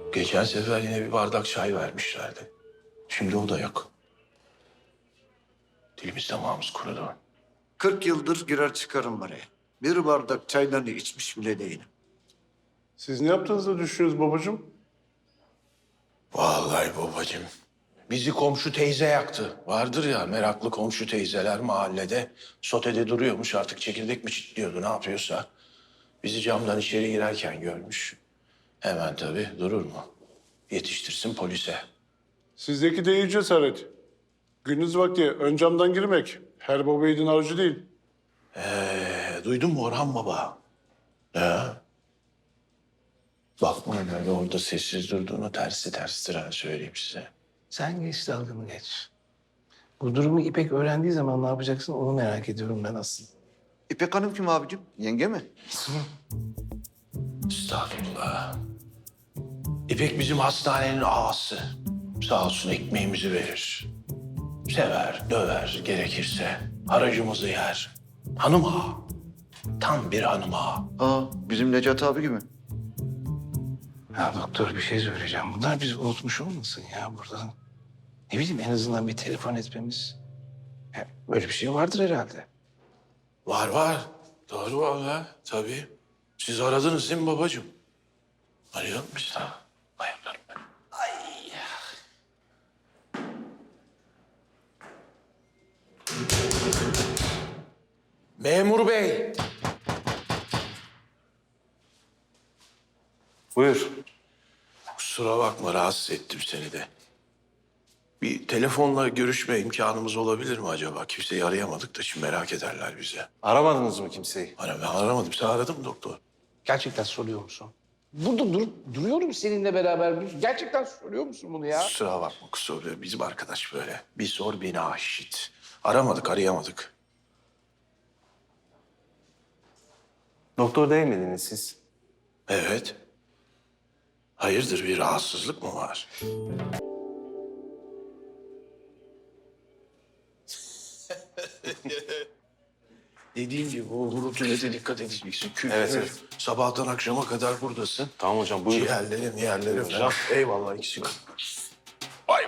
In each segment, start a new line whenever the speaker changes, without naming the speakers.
Geçen sefer yine bir bardak çay vermişlerdi. Şimdi o da yok. Dilimiz damağımız kurudu.
40 yıldır girer çıkarım oraya. Bir bardak çaylarını içmiş bile değilim.
Siz ne yaptığınızı düşünüyorsunuz babacığım?
Vallahi babacığım. Bizi komşu teyze yaktı. Vardır ya meraklı komşu teyzeler mahallede. Sotede duruyormuş artık çekirdek mi çitliyordu ne yapıyorsa. Bizi camdan içeri girerken görmüş. Hemen tabii durur mu? Yetiştirsin polise.
Sizdeki de iyi cesaret. Gündüz vakti ön camdan girmek her baba yiğidin harcı değil.
Duydun mu Orhan Baba? Bakma öyle orada sessiz durduğunu terstir ha söyleyeyim size.
Sen geç dalgını geç. Bu durumu İpek öğrendiği zaman ne yapacaksın onu merak ediyorum ben aslında.
İpek Hanım kim abicim? Yenge mi?
Estağfurullah. İpek bizim hastanenin ağası. Sağ olsun ekmeğimizi verir. Sever, döver gerekirse. Haracımızı yer. Hanım ağa. Tam bir hanım ağa.
Aa, bizim Necati abi gibi.
Ya doktor bir şey söyleyeceğim. Bunlar bizi unutmuş olmasın ya burada. Ne bileyim en azından bir telefon etmemiz. Ya, böyle bir şey vardır herhalde.
Var. Doğru vallahi. Tabii. Siz aradınız değil mi babacığım? Arayalım biz de. Ayaklarım ben. Memur bey.
Buyur.
Kusura bakma rahatsız ettim seni de. Bir telefonla görüşme imkanımız olabilir mi acaba? Kimseyi arayamadık da şimdi merak ederler bize.
Aramadınız mı kimseyi?
Ben aramadım. Sen aradın mı doktor?
Gerçekten soruyor musun? Burada duruyorum seninle beraber. Gerçekten soruyor musun bunu ya?
Kusura bakma kusura. Bizim arkadaş böyle. Bir sor beni aşit. Arayamadık.
Doktor değil miydiniz siz?
Evet. Hayırdır bir rahatsızlık mı var? Dediğim gibi o gurultuya dikkat edeceksin.
Evet.
Sabahtan akşama kadar buradasın.
Tamam hocam buyurun.
Ciğerlerim falan. Eyvallah ikisi. Vay.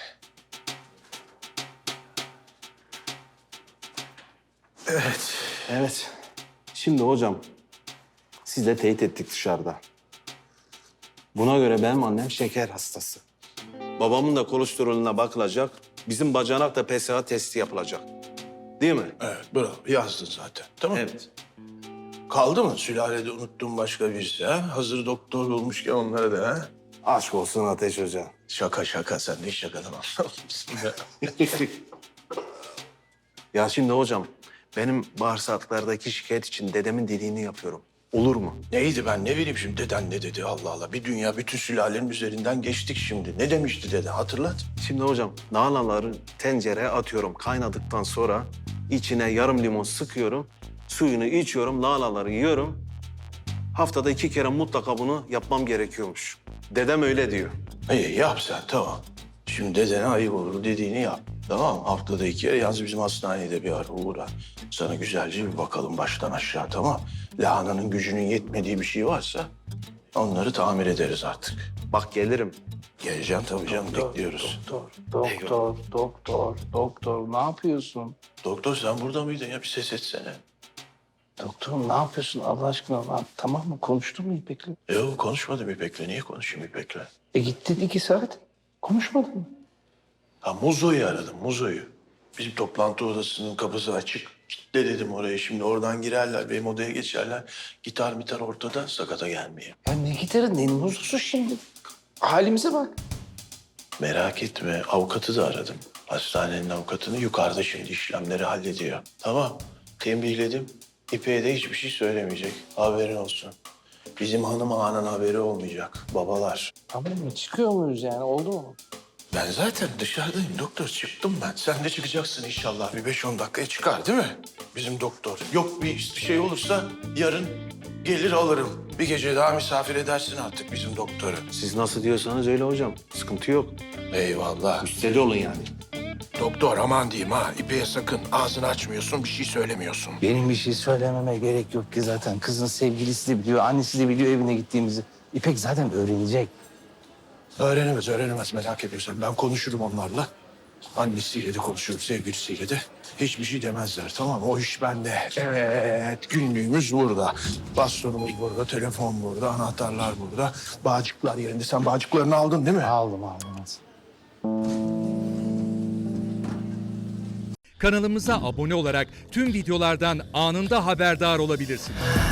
Evet.
Evet. Şimdi hocam siz teyit ettik dışarıda. Buna göre benim annem şeker hastası. Babamın da kolesterolüne bakılacak. Bizim bacanak da PSA testi yapılacak. Değil mi?
Evet bravo yazdın zaten. Tamam mı?
Evet.
Kaldı mı sülalede unuttuğum başka birisi ha? Hazır doktor olmuşken onlara da ha?
Aşk olsun Ateş Hoca.
Şaka sen de hiç şakadan anlamazsın ya.
Ya şimdi hocam benim bağırsaklardaki şikayet için dedemin dediğini yapıyorum. Olur mu?
Neydi ben ne bileyim şimdi deden ne dedi Allah Allah. Bir dünya bütün sülalenin üzerinden geçtik şimdi. Ne demişti dede hatırlat.
Şimdi hocam lahanaları tencereye atıyorum. Kaynadıktan sonra içine yarım limon sıkıyorum. Suyunu içiyorum, lahanaları yiyorum. Haftada 2 kere mutlaka bunu yapmam gerekiyormuş. Dedem öyle diyor.
İyi yap sen tamam. Şimdi dedene ayıp olur dediğini yap. Tamam haftada 2 kere yalnız bizim hastanede bir ara uğra. Sana güzelce bir bakalım baştan aşağı tamam. Lahananın gücünün yetmediği bir şey varsa onları tamir ederiz artık.
Bak gelirim.
Geleceğim tabii canım bekliyoruz.
Doktor ne yapıyorsun?
Doktor sen burada mıydın ya bir ses etsene.
Doktor ne yapıyorsun Allah aşkına? Lan, tamam mı? Konuştun mu İpek'le?
Yok konuşmadım İpek'le. Niye konuşayım İpek'le?
Gittin 2 saat. Konuşmadın mı?
Ha Muzo'yu aradım Muzo'yu. Bizim toplantı odasının kapısı açık. Kitle dedim oraya şimdi oradan girerler benim odaya geçerler. Gitar ortada sakata gelmeyeyim.
Ya ne gitarı ne muzusu şimdi? Halimize bak.
Merak etme avukatı da aradım. Hastanenin avukatını yukarıda şimdi işlemleri hallediyor. Tamam tembihledim. İpek'e de hiçbir şey söylemeyecek. Haberin olsun. Bizim hanım ağanın haberi olmayacak. Babalar.
Tamam mı? Çıkıyor muyuz yani? Oldu mu?
Ben zaten dışarıdayım doktor. Çıktım ben. Sen de çıkacaksın inşallah. Bir 5-10 dakikaya çıkar değil mi? Bizim doktor. Yok bir şey olursa yarın gelir alırım. Bir gece daha misafir edersin artık bizim doktoru.
Siz nasıl diyorsanız öyle hocam. Sıkıntı yok.
Eyvallah.
Müsteri olun yani.
Doktor aman diyeyim ha. İpeğe sakın ağzını açmıyorsun, bir şey söylemiyorsun.
Benim bir şey söylememe gerek yok ki zaten. Kızın sevgilisi de biliyor, annesi de biliyor evine gittiğimizi. İpek zaten öğrenecek.
Öğrenemez merak ediyorsan. Ben konuşurum onlarla. Annesiyle de konuşurum, sevgilisiyle de. Hiçbir şey demezler, tamam mı? O iş bende. Evet, günlüğümüz burada. Bastonumuz burada, telefon burada, anahtarlar burada. Bağcıklar yerinde. Sen bağcıklarını aldın değil mi?
Aldım.
Kanalımıza abone olarak tüm videolardan anında haberdar olabilirsiniz.